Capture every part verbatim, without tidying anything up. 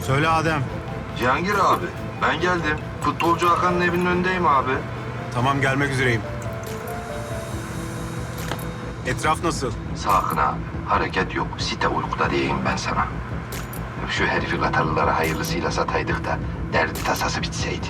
Söyle Adem. Cihangir abi, ben geldim. Futbolcu Hakan'ın evinin önündeyim abi. Tamam, gelmek üzereyim. Etraf nasıl? Sakın abi, hareket yok. Site uykuda diyeyim ben sana. Şu herifi Katarlılara hayırlısıyla sataydık da derdi tasası bitseydi.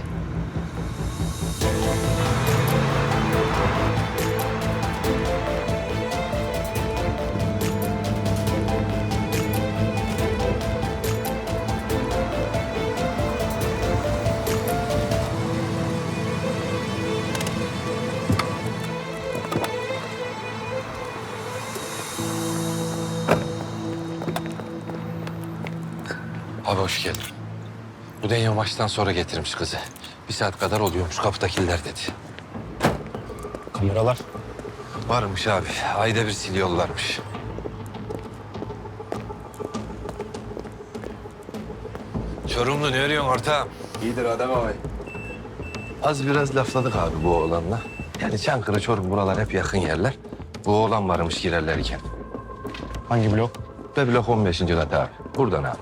Abi hoş geldin. Bu Denya maçtan sonra getirmiş kızı. Bir saat kadar oluyormuş kapıdakiler dedi. Kameralar. Varmış abi. Ayda bir siliyorlarmış. Çorumlu ne arıyorsun ortağım? İyidir Adem abi. Az biraz lafladık abi bu oğlanla. Yani Çankırı, Çorum buralar hep yakın yerler. Bu oğlan varmış girerlerken. Hangi blok? Ve blok on beşinci kat abi. Buradan abi.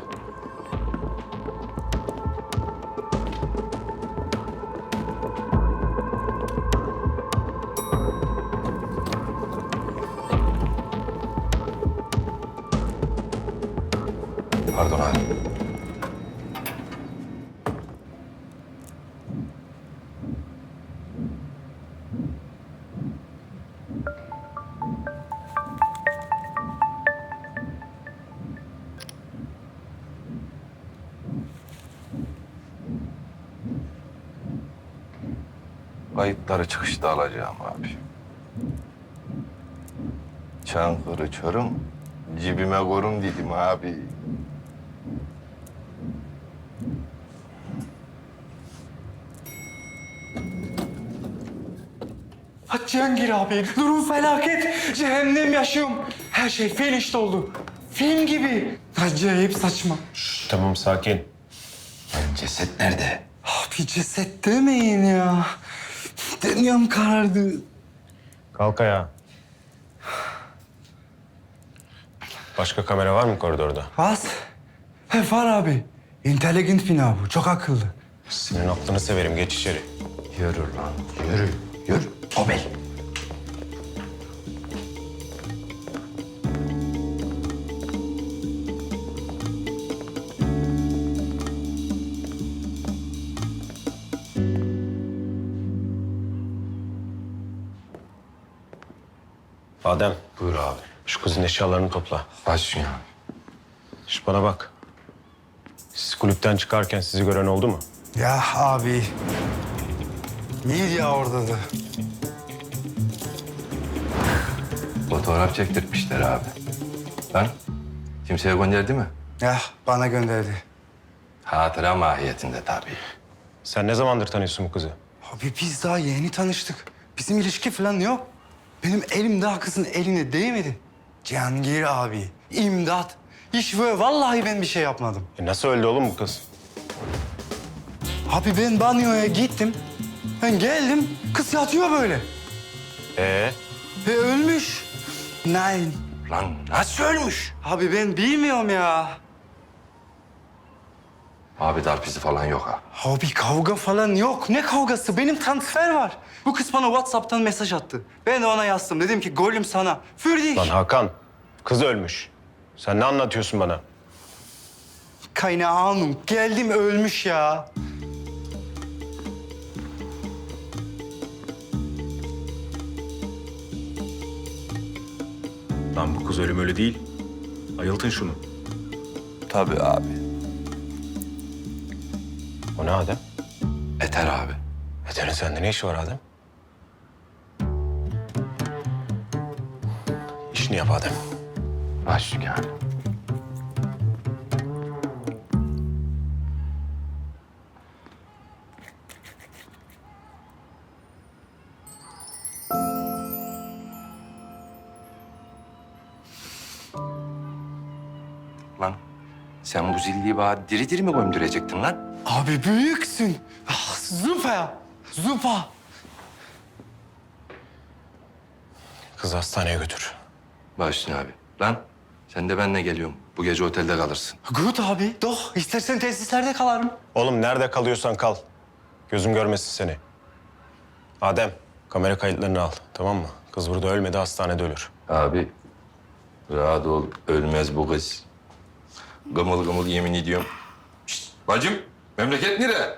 Pardon abi. Kayıtları çıkışta alacağım abi. Çankırı, Çorum, cibime korum dedim abi. Ha Cihangir abi, durum felaket. Cehennem yaşıyorum. Her şey felişte oldu. Film gibi. Acayip saçma. Tamam sakin. Lan ceset nerede? Abi ceset demeyin ya. Dünyam karardı. Kalk ayağa. Başka kamera var mı koridorda? Was? He var abi. Intelligent bina bu. Çok akıllı. Senin aklını severim. Geç içeri. Yürü lan, yürü, yürü. Obel. Adem, Buyur abi. şu kızın eşyalarını topla. Başlıyor. Şu bana bak. Siz kulüpten çıkarken sizi gören oldu mu? Ya abi. İyiydi ya orada da. Fotoğraf çektirmişler abi. Lan kimseye gönderdi mi? Ya bana gönderdi. Hatıra mahiyetinde tabii. Sen ne zamandır tanıyorsun bu kızı? Abi biz daha yeni tanıştık. Bizim ilişki falan yok. Benim elim daha kızın eline değmedi. Cihangir abi, imdat. Hiç böyle vallahi ben bir şey yapmadım. E nasıl öldü oğlum bu kız? Abi ben banyoya gittim. Ben geldim, kız yatıyor böyle. Ee, Ve ölmüş. Nein. Lan nasıl ölmüş? Abi ben bilmiyorum ya. Abi darp izi falan yok ha. Abi kavga falan yok. Ne kavgası? Benim transfer var. Bu kız bana WhatsApp'tan mesaj attı. Ben de ona yazdım. Dedim ki golüm sana. Fürdik. lan Hakan, kız ölmüş. Sen ne anlatıyorsun bana? Keine Ahnung. Geldim ölmüş ya. Lan bu kız ölüm ölü değil. Ayıltın şunu. Tabii abi. O ne Adem? Eter abi. Eter'in sende ne işi var Adem? İşini yap Adem. Başlıyor abi. Lan sen bu zilliyi bana diri diri mi gömdürecektin lan? Abi büyüksün. Ah, Zupa ya. Zupa. Kızı hastaneye götür. Başlıyor abi. Lan Sen de benimle geliyorsun. Bu gece otelde kalırsın. Good abi. Doh. İstersen tesislerde kalarım. Oğlum nerede kalıyorsan kal. Gözüm görmesin seni. Adem, kamera kayıtlarını al, tamam mı? Kız burada ölmedi, hastanede ölür. Abi rahat ol. Ölmez bu kız. Gımıl gımıl yemin ediyorum. Şişt, bacım memleket nere?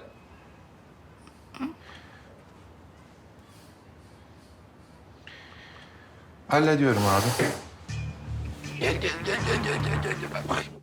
Hallediyorum abi. Gel gel gel gel gel gel. gel. Bak,